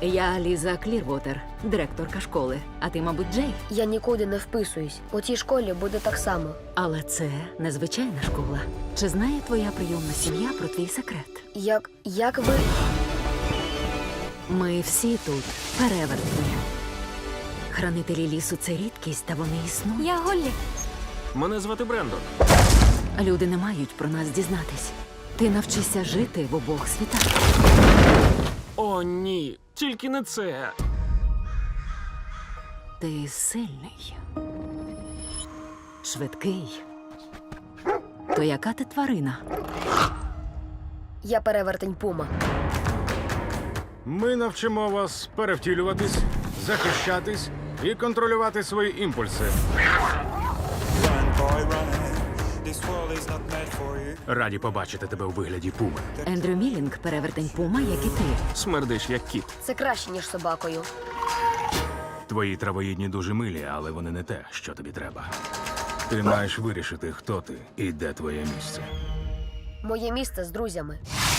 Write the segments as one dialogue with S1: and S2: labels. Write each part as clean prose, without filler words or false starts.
S1: Я Ліза Клірвотер, директорка школи. А ти, мабуть, Джей.
S2: Я нікуди не вписуюсь. У тій школі буде так само.
S1: Але це незвичайна школа. Чи знає твоя прийомна сім'я про твій секрет?
S2: Як ви...
S1: Ми всі тут перевертні. Хранителі лісу – це рідкість, та вони існують.
S2: Я Голлі.
S3: Мене звати Брендон.
S1: Люди не мають про нас дізнатись. Ти навчишся жити в обох світах.
S3: О, ні, тільки не це.
S1: Ти сильний. Швидкий. То яка ти тварина?
S2: Я перевертень Пума.
S4: Ми навчимо вас перевтілюватись, захищатись і контролювати свої імпульси.
S5: Run, boy, run. This world is not meant for you.
S4: Раді побачити тебе у вигляді пуми.
S1: Ендрю Мілінг – перевертень Пума, як і ти.
S3: Смердиш, як кіт.
S2: Це краще, ніж собакою.
S4: Твої травоїдні дуже милі, але вони не те, що тобі треба. Ти маєш вирішити, хто ти і де твоє місце.
S2: Моє місце з друзями.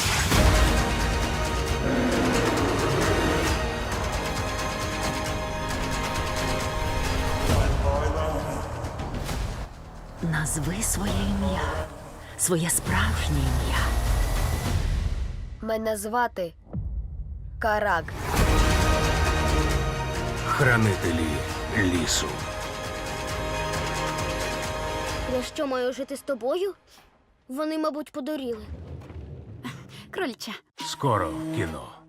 S1: Назви своє ім'я. Своє справжнє ім'я.
S2: Мене звати Карак.
S4: Хранителі лісу.
S6: Я що, маю жити з тобою? Вони, мабуть, подуріли.
S1: Крольча.
S4: Скоро в кіно.